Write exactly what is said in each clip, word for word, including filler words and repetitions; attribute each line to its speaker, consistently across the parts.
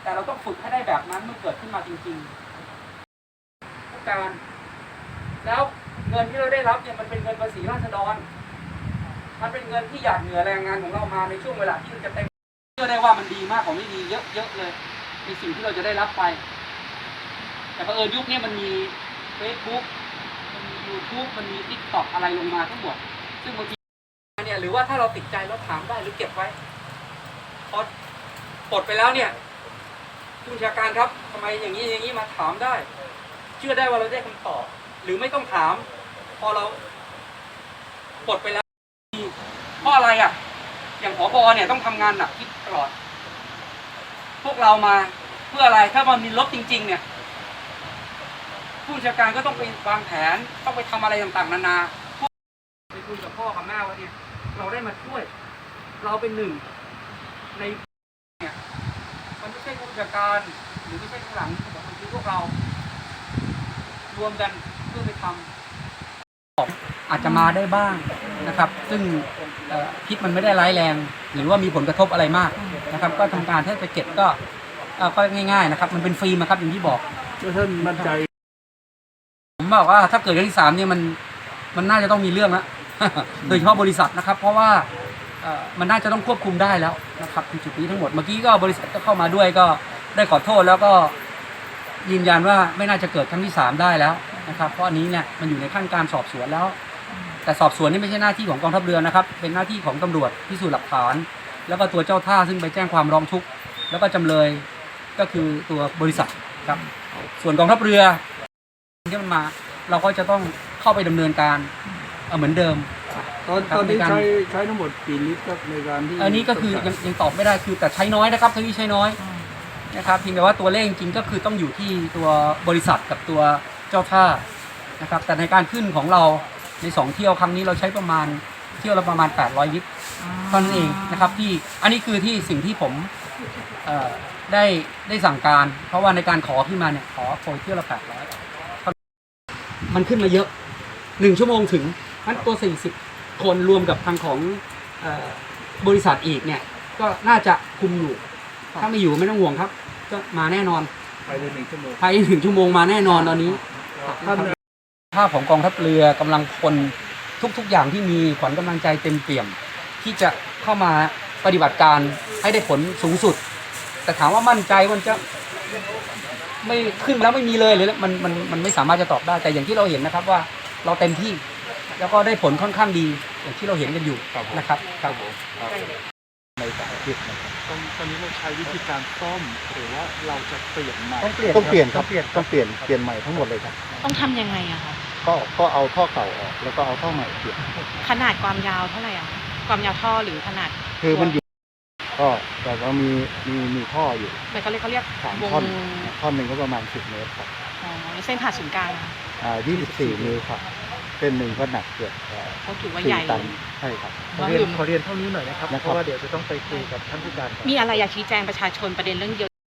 Speaker 1: แต่เราต้องฝึกให้ได้แบบนั้นเมื่อเกิดขึ้นมาจริงๆผู้การแล้วเงินที่เราได้รับเนี่ยมันเป็นเงินภาษีราษฎรมันเป็นเงินที่หยาดเหงื่อแรงงานของเรามาในช่วงเวลาที่เราจะเต็มเชื่อได้ว่ามันดีมากกว่าไม่ดีเยอะๆเลยในสิ่งที่เราจะได้รับไปแต่เผอิญยุคนี้มันมี Facebook มันมี YouTube มันมี TikTok อะไรลงมาทั้งหมดซึ่งบางทีเนี่ยหรือว่าถ้าเราติดใจเราถามได้หรือเก็บไว้พอปลดไปแล้วเนี่ยผู้บัญชาการครับทำไมอย่างนี้อย่างนี้มาถามได้เชื่อได้ว่าเราได้คำตอบหรือไม่ต้องถามพอเราปลดไปแล้วเพราะอะไรอ่ะอย่างผบ.เนี่ยต้องทำงานหนักที่ตลอดพวกเรามาเพื่ออะไรถ้ามันมีลบจริงๆเนี่ยผู้บัญชาการก็ต้องไปวางแผนต้องไปทำอะไรต่างๆนานาไปคุยกับพ่อกับแม่ว่าเนี่ยเราได้มาช่วยเราเป็นหนึ่งในเนี่ยมันไม่ใช่ผู้บัญชาการหรือไม่ใช่ข้างหลังแต่มันคือพวกเรารวมกันเพื่อไปทำอาจจะมาได้บ้างนะครับ ซึ่งพิษมันไม่ได้ร้ายแรงหรือว่ามีผลกระทบอะไรมากนะครับก็ทำการถ้าจะเก็บก็ก็ง่ายๆนะครับมันเป็นฟรีนะครับอย่างที่บอก
Speaker 2: ท่านมั่นใจ
Speaker 1: ผมบอกว่าถ้าเกิดเรื่องที่สามเนี่ยมันมันน่าจะต้องมีเรื่องแล้วโดยเฉพาะบริษัทนะครับเพราะว่ามันน่าจะต้องควบคุมได้แล้วนะครับในจุดนี้ทั้งหมดเมื่อกี้ก็บริษัทก็เข้ามาด้วยก็ได้ขอโทษแล้วก็ยืนยันว่าไม่น่าจะเกิดครั้งที่สามได้แล้วนะครับเพราะอันนี้เนี่ยมันอยู่ในขั้นการสอบสวนแล้วแต่สอบสวนนี่ไม่ใช่หน้าที่ของกองทัพเรือนะครับเป็นหน้าที่ของตำรวจพิสูจน์หลักฐานแล้วก็ตัวเจ้าท่าซึ่งไปแจ้งความร้องทุกข์แล้วก็จำเลยก็คือตัวบริษัทครับส่วนกองทัพเรือที่มันมาเราก็จะต้องเข้าไปดำเนินการเหมือนเดิม
Speaker 2: ตอนตอนนี้ใช้ใช้ทั้งหมดกี่ลิตรครับในการที่
Speaker 1: อันนี้ก็คือยังยังตอบไม่ได้คือแต่ใช้น้อยนะครับทั้งนี้ใช้น้อยนะครับเพียงแต่ว่าตัวเลขจริงก็คือต้องอยู่ที่ตัวบริษัทกับตัวเจ้าท่านะครับแต่ในการขึ้นของเราในสองเที่ยวครั้งนี้เราใช้ประมาณเที่ยวละประมาณแปดร้อยลิตรเท่านั้นเองนะครับที่อันนี้คือที่สิ่งที่ผมได้ได้สั่งการเพราะว่าในการขอขึ้นมาเนี่ยขอโปรยเที่ยวละแปดร้อยมันขึ้นมาเยอะหนึ่งชั่วโมงถึงนั้นตัวสี่สิบคนรวมกับทางของบริษัทอีกเนี่ยก็น่าจะคุมอยู่ถ้าไม่อยู่ไม่ต้องห่วงครับก็มาแน่นอน
Speaker 2: ภายในหนึ่งชั่วโมง
Speaker 1: ภายในหนึ่งชั่วโมงมาแน่นอนตอนนี้ภาพของกองทัพเรือกำลังพลทุกๆอย่างที่มีขวัญกำลังใจเต็มเปี่ยมที่จะเข้ามาปฏิบัติการให้ได้ผลสูงสุดแต่ถามว่ามั่นใจมันจะไม่ขึ้นแล้วไม่มีเลยหรือมันมันมันไม่สามารถจะตอบได้แต่อย่างที่เราเห็นนะครับว่าเราเต็มที่แล้วก็ได้ผลค่อนข้างดีอย่างที่เราเห็นกันอยู่นะครับครับผม
Speaker 2: ในสารพิษนะครับตอนนี้เราใช้วิธีการซ่อมหรือว่าเราจะเปลี่ยนใหม่
Speaker 3: ต้องเปลี่ยนต้องเปลี่ยนครับต้องเปลี่ยนเปลี่ยนใหม่ทั้งหมดเลยครับ
Speaker 4: ต้องทำยังไงอะคะ
Speaker 3: ก็ก็เอาท่อเก่าออกแล้วก็เอาท่อใหม่เปลี่ยน
Speaker 4: ขนาดความยาวเท่าไหร่อะความยาวท่อหรือขนาด
Speaker 3: คือมันอยู่ก็แต่ว่ามีมีมีท่ออยู่
Speaker 4: แต่เขาเรียกเขาเรียก
Speaker 3: สามท่อนท่อนหนึ่งก็ประมาณสิบเมตรครับ
Speaker 4: อ๋อเส้นผ่าศูนย์กลาง
Speaker 3: อ่ายี่สิบสี่นิ้วครับเส้นหนึ่งก็หนักเกือบ
Speaker 4: เขาถือว่าใหญ่
Speaker 3: ใช่ครับ
Speaker 2: ขอเรียนขอเรียนเท่านี้หน่อยนะครับเพราะว่าเดี๋ยวจะต้องไปคุยกับท่านผู้การ
Speaker 4: มีอะไรอยากชี้แจงประชาชนประเด็นเรื่องเยอะ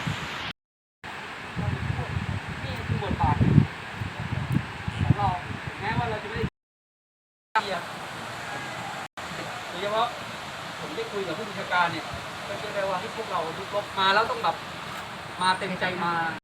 Speaker 1: นี่คือบทบาทของเราแม้ว่าเราจะไม่ได้โดยเฉพาะผมได้คุยกับผู้บัญชาการเนี่ยก็เชื่อได้ว่าให้พวกเราลุกลบมาแล้วต้องแบบมาเต็มใจมา